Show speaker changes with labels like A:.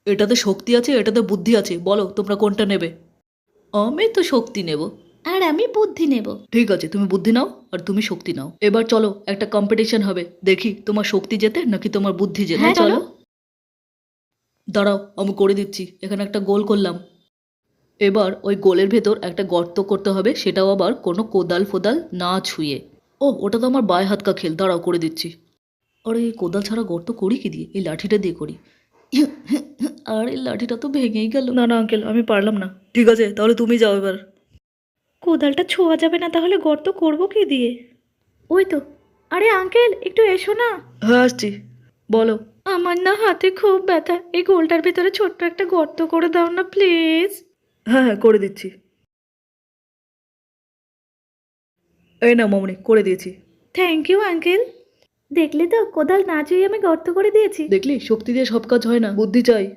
A: এটাতে শক্তি আছে, এটাতে বুদ্ধি আছে, বলো তোমরা কোনটা নেবে? আমি তো শক্তি নেব।
B: আর আমি বুদ্ধি নেব।
A: ঠিক আছে, তুমি বুদ্ধি নাও আর তুমি শক্তি নাও। এবার চলো একটা কম্পিটিশন হবে, দেখি তোমার শক্তি জেতে নাকি তোমার বুদ্ধি জেতে।
B: হ্যাঁ, চলো।
A: দাঁড়াও, আমি করে দিচ্ছি। এখানে একটা গোল করলাম। এবার ওই গোলের ভেতর একটা গর্ত করতে হবে, সেটাও আবার কোনো কোদাল ফোদাল না ছুঁয়ে। ও, ওটা তো আমার বায় হাত কা খেল, দাঁড়াও করে দিচ্ছি। আরে কোদাল ছাড়া গর্ত করি কি দিয়ে? এই লাঠিটা দিয়ে করি। আর এই লাঠিটা তো ভেঙেই গেল। না না আঙ্কেল, আমি পারলাম না। ঠিক আছে, তাহলে তুমি যাও এবার।
B: কোদালটা ছোঁয়া যাবে না, তাহলে গর্ত করব কি দিয়ে? ওই তো। আরে আঙ্কেল, একটু এসো না।
A: হ্যাঁ আসছি, বলো।
B: আমার না হাতে খুব ব্যথা, এই গোলটার ভিতরে ছোট্ট একটা গর্ত করে দাও না প্লিজ।
A: হ্যাঁ হ্যাঁ, করে দিচ্ছি। এই না মামনি, করে দিয়েছি।
B: Thank you uncle. দেখলে তো, কোদাল না চুইয়ে আমি গর্ত করে দিয়েছি।
A: দেখলি, শক্তি দিয়ে সব কাজ হয় না, বুদ্ধি চাই।